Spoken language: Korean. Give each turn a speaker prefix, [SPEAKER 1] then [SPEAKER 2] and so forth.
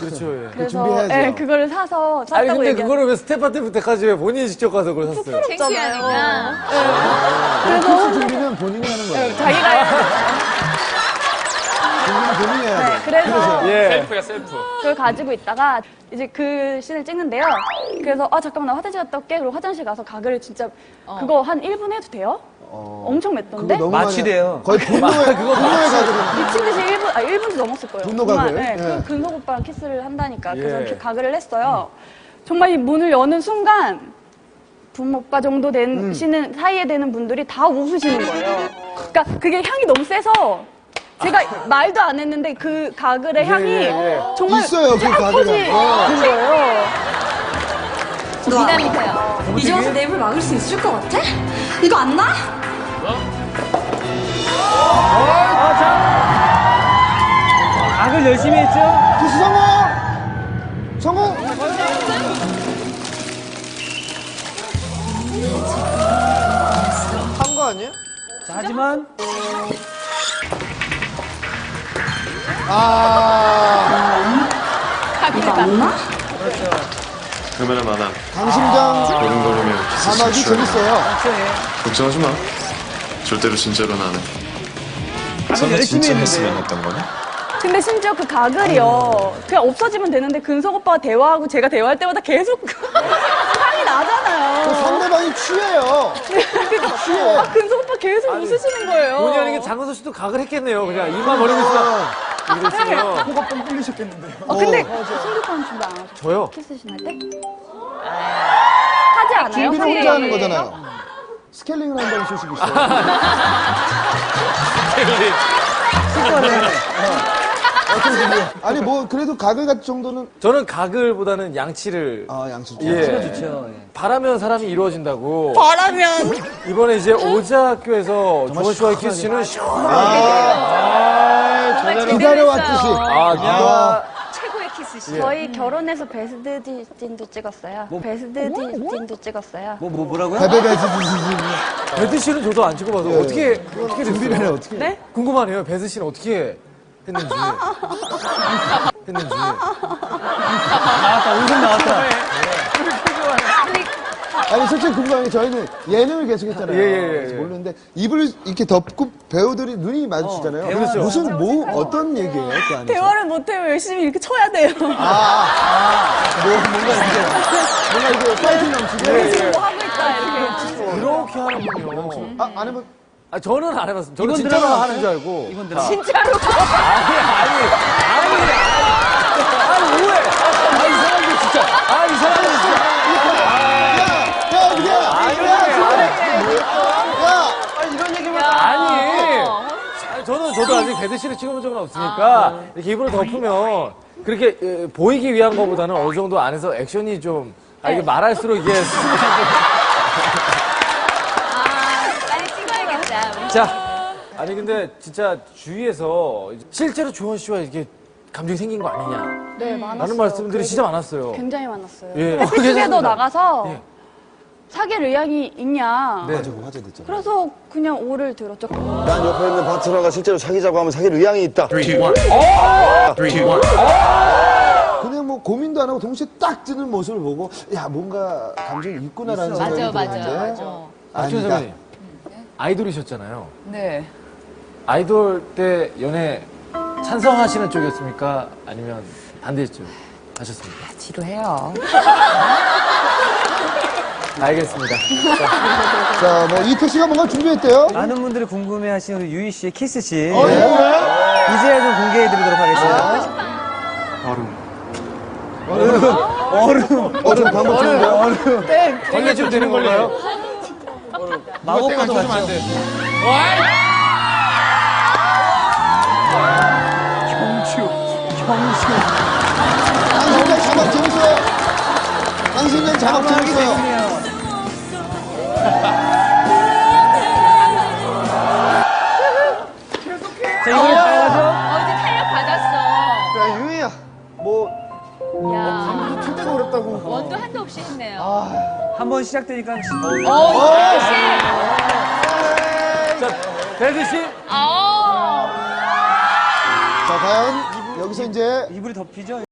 [SPEAKER 1] 그렇죠. 예.
[SPEAKER 2] 그래서
[SPEAKER 3] 준비해야죠.
[SPEAKER 2] 예, 그거를 샀다고
[SPEAKER 1] 아니 근데
[SPEAKER 2] 얘기하고.
[SPEAKER 1] 그거를 왜 스태프한테부터까지 왜 본인이 직접 가서 그걸 샀어요?
[SPEAKER 4] 창피하니까.
[SPEAKER 3] 그래서 준비는 본인이 하는 거예요.
[SPEAKER 2] 자기가 해야 돼.
[SPEAKER 3] 준비는 본인이 해야 돼.
[SPEAKER 2] 네, 그래서
[SPEAKER 1] 예.
[SPEAKER 5] 셀프야, 셀프.
[SPEAKER 2] 그걸 가지고 있다가 이제 그 씬을 찍는데요. 그래서 잠깐만 나 화장실 갔다 올게. 그리고 화장실 가서 가글을 진짜 그거 한 1분 해도 돼요? 엄청 맵던데?
[SPEAKER 3] 너무
[SPEAKER 6] 마취돼요.
[SPEAKER 3] 거의 분노의 가글은.
[SPEAKER 2] 미친 듯이 1분도 넘었을 거예요.
[SPEAKER 3] 분노
[SPEAKER 2] 정말,
[SPEAKER 3] 가글?
[SPEAKER 2] 네,
[SPEAKER 3] 예.
[SPEAKER 2] 그 근석 오빠랑 키스를 한다니까. 그래서
[SPEAKER 1] 예.
[SPEAKER 2] 이렇게 가글을 했어요. 정말 이 문을 여는 순간 부모 오빠 정도 되시는 사이에 되는 분들이 다 웃으시는 거예요. 그러니까 그게 향이 너무 세서 제가 말도 안 했는데 그 가글의 향이 정말
[SPEAKER 3] 있어요, 그 가글이.
[SPEAKER 2] 퍼진 거예요.
[SPEAKER 4] 미남이세요.
[SPEAKER 7] 이제 와서 내 입을 막을 수 있을 것 같아? 이거 안 나?
[SPEAKER 6] 악을 열심히 했죠?
[SPEAKER 3] 키스 성공! 성공!
[SPEAKER 1] 한 거 아니에요?
[SPEAKER 6] 자, 하지만
[SPEAKER 7] 이거 안 나?
[SPEAKER 8] 카메라 많아.
[SPEAKER 3] 강심장
[SPEAKER 8] 걸음걸으면
[SPEAKER 3] 자막이 재밌어요.
[SPEAKER 8] 걱정하지 마. 절대로 진짜로는 안 해.
[SPEAKER 6] 악을 열심히 했는데.
[SPEAKER 8] 했던 거냐?
[SPEAKER 2] 근데 심지어 그 가글이요. 그냥 없어지면 되는데 근석 오빠가 대화하고 제가 대화할 때마다 계속 향이 나잖아요.
[SPEAKER 3] 상대방이 취해요. 취해.
[SPEAKER 2] 근석 오빠 계속 웃으시는 거예요.
[SPEAKER 1] 본의 아니게 장은서 씨도 각을 했겠네요. 그냥 입만 벌리고 있으면 이랬으면
[SPEAKER 3] 코가 뻥 뚫리셨겠는데요.
[SPEAKER 2] 근데 신규판 준비 안 하죠?
[SPEAKER 1] 저요?
[SPEAKER 2] 키스신 할 때? 하지 않아요?
[SPEAKER 3] 준비를 혼자 하는 거잖아요. 스케일링을 한다는 소식이 있어요. 어떤 준비? 아니 뭐 그래도 가글 같은 정도는
[SPEAKER 1] 저는 각을보다는 양치를
[SPEAKER 3] 양치
[SPEAKER 1] 예.
[SPEAKER 6] 좋죠. 예.
[SPEAKER 1] 바라면 사람이 이루어진다고.
[SPEAKER 2] 바라면.
[SPEAKER 1] 이번에 이제 오자학교에서 조원 씨와의 키스는 시원하게.
[SPEAKER 3] 기다려왔듯이.
[SPEAKER 4] 최고의 키스시.
[SPEAKER 2] 저희 결혼해서 베스트 씬도 찍었어요. 베스트 씬도 찍었어요.
[SPEAKER 6] 뭐라고요?
[SPEAKER 3] 베베베
[SPEAKER 1] 배드 씨는 저도 안 찍어봐서 어떻게
[SPEAKER 3] 준비를 해
[SPEAKER 1] 됐어요?
[SPEAKER 3] 어떻게?
[SPEAKER 2] 네?
[SPEAKER 1] 궁금하네요. 배드 씨는 어떻게 했는지.
[SPEAKER 6] 나왔다, 웃음 나왔다.
[SPEAKER 3] 아니 솔직히 궁금한 게 저희는 예능을 계속했잖아요.
[SPEAKER 1] 예.
[SPEAKER 3] 그래서 모르는데 입을 이렇게 덮고 배우들이 눈이 마주치잖아요.
[SPEAKER 1] 그렇죠.
[SPEAKER 3] 무슨 뭐 어떤 얘기예요 그 안에서?
[SPEAKER 2] 대화를 못해요. 열심히 이렇게 쳐야 돼요.
[SPEAKER 3] 뭔가 이게 파이팅 넘치게.
[SPEAKER 2] 뭐 하고 있다, 이렇게.
[SPEAKER 1] 그렇게 하는군요.
[SPEAKER 3] 안 해본.
[SPEAKER 1] 저는 안 해봤습니다. 저는
[SPEAKER 6] 이건
[SPEAKER 1] 진짜로
[SPEAKER 6] 드라마
[SPEAKER 1] 하는 줄 알고.
[SPEAKER 6] 이건 드라마.
[SPEAKER 2] 진짜로.
[SPEAKER 1] 아니, 오해. 이 사람들 진짜. 이 사람들 진짜. 아니. 저도 아직 배드 씨를 찍어본 적은 없으니까 이렇게 입으로 덮으면 그렇게 보이기 위한 것보다는 어느 정도 안에서 액션이 좀 이게 말할수록 이게
[SPEAKER 4] 빨리 찍어야겠다.
[SPEAKER 1] 자 아니 근데 진짜 주위에서 실제로 조원 씨와 이게 감정이 생긴 거 아니냐
[SPEAKER 2] 네, 많았어요.
[SPEAKER 1] 라는 말씀들이 진짜 많았어요.
[SPEAKER 2] 굉장히 많았어요.
[SPEAKER 1] 예.
[SPEAKER 2] 해피투게더 나가서
[SPEAKER 1] 예.
[SPEAKER 2] 사귈 의향이 있냐.
[SPEAKER 1] 네.
[SPEAKER 3] 화제 됐잖아.
[SPEAKER 2] 그래서 그냥 오를 들었죠.
[SPEAKER 9] 난 옆에 있는 파트너가 실제로 사귀자고 하면 사귈 의향이 있다.
[SPEAKER 3] 그냥 뭐 고민도 안 하고 동시에 딱 뜨는 모습을 보고 야 뭔가 감정이 있구나라는 생각이 들었는데
[SPEAKER 1] 박준
[SPEAKER 3] 아니다.
[SPEAKER 1] 선배님 아이돌이셨잖아요.
[SPEAKER 4] 네.
[SPEAKER 1] 아이돌 때 연애 찬성하시는 쪽이었습니까? 아니면 반대쪽 하셨습니까?
[SPEAKER 4] 지루해요.
[SPEAKER 1] 알겠습니다.
[SPEAKER 3] 자, 뭐 이태 씨가 뭔가 준비했대요.
[SPEAKER 6] 많은 분들이 궁금해하시는 우리 유희 씨의 키스씬. 이제야 좀 공개해드리도록 하겠습니다.
[SPEAKER 3] 좀 방법 좋은데요?
[SPEAKER 1] 걸려주면 되는 건가요?
[SPEAKER 6] 마법과도 같죠?
[SPEAKER 3] 강심장 자막 재밌어요. 강심장 자막 재밌어요.
[SPEAKER 6] 자, 이걸 봐야죠.
[SPEAKER 4] 이제 탄력 받았어.
[SPEAKER 3] 야, 유희야. 뭐,
[SPEAKER 4] 야.
[SPEAKER 3] 칠 때가 어렵다고.
[SPEAKER 4] 원도 한도 없이 했네요.
[SPEAKER 6] 한번 시작되니까.
[SPEAKER 1] 자, 배드 씨.
[SPEAKER 3] 자, 과연 여기서 이제
[SPEAKER 6] 이불이 덮이죠?